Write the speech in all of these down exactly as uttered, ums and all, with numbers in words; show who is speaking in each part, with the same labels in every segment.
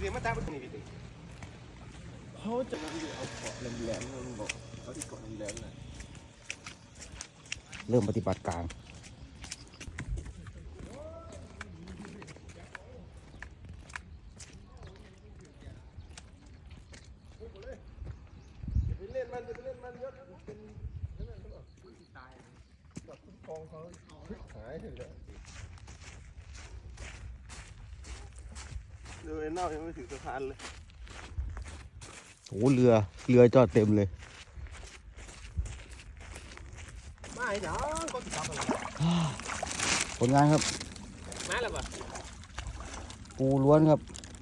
Speaker 1: เดี๋ยวมาตามไปนี่ดิเขาจะเอาเกาะแหลมๆมันบอกเขาที่เกาะแหลมๆน่ะ
Speaker 2: เริ่มปฏิบัติการ
Speaker 1: เล่นมันจะเล่นมันเยอะเป็นนั่นนั่นตายแบบกองเขาหายเลยเรือเน่ายังไม่ถึงสะพานเลย
Speaker 2: โอ้เรือเรือจอดเต็มเลย
Speaker 1: ไม่เนาะก็ติดต่อกัน
Speaker 2: ผลงานครับ
Speaker 1: มาแล้วป่ะ
Speaker 2: ปูล้วนครับ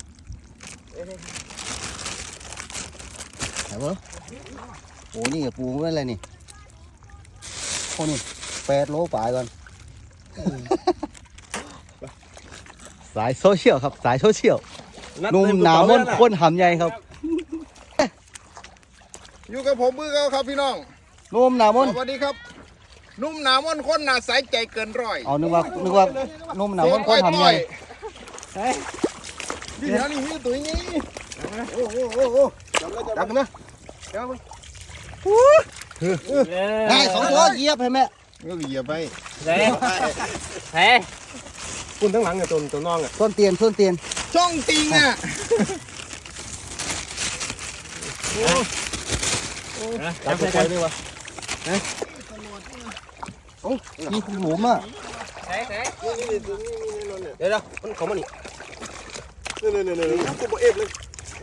Speaker 2: ไหนวะโอ้นี่ปูไม่อะไรนี่โอ้นี่แปดโลป่ายก่อนสายโซเชียลครับสายโซเชียลนุ่มหนามนข้นหำใหญ่ครับ
Speaker 1: อยู่กับผมมือเขาครับพี่น้อง
Speaker 2: นุ่มหนามน
Speaker 1: สวัสดีครับนุ่มหนามนคนหนาใสใจเกินร้อย
Speaker 2: เอานึกว่านึกว่านุ่มหนามนข้นหำใหญ่
Speaker 1: เดี๋ยวนี่มีตัวนี้โอ้โหโอ้โหจับกันนะจับมึง
Speaker 2: ได้สองตัวเหยียบเห็นไหม
Speaker 1: ก็เหยียบไป
Speaker 3: เฮ้เฮ้
Speaker 1: คุณทั้งหลังเนี่ยตัวตัวน้องอ่ะ
Speaker 2: ต้นเตียนต้นเตียน
Speaker 1: ช่องจริงอ่ะ
Speaker 2: จับไปเลยวะโอ้มีหลุมอ่ะ
Speaker 3: เฮ้เฮ้
Speaker 1: เดี๋ยวเดี๋ยวมันของมันนี่เนี่ยเนี่ยเนี่ยเนี่ยกูบอกเอฟเลย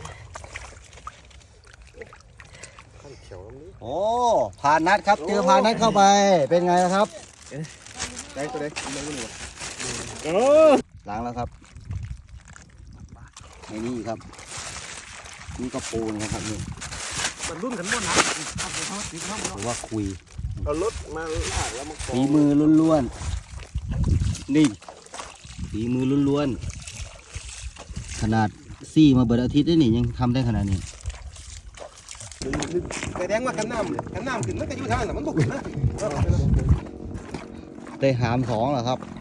Speaker 1: ขั้นเขียวนี้
Speaker 2: โอ้ผ่านนัดครับเจอผ่านนัดเข้าไปเป็นไงครับ
Speaker 1: ได้ตัวได้ไม่รู้หนู
Speaker 2: โอ้ล้างแล้วครับในนี่ครับนี่ก็ปูนะครับนี่
Speaker 1: มันรุ่นกันหมดนะ
Speaker 2: หรือว่าคุย
Speaker 1: เอารถมาลากแล้วมัน
Speaker 2: ฝีมือล้วนๆนี่ฝีมือล้วนๆขนาดซี่มาเบิดอาทิตย์ได้นี่ยังทำได้ขนาดนี้
Speaker 1: แต่แดงว่ากันน้ำกันน้ำขึ้นมันก็อยู่ทางนั้นมันบุกนะ
Speaker 2: ได้หามสองเหรอครับ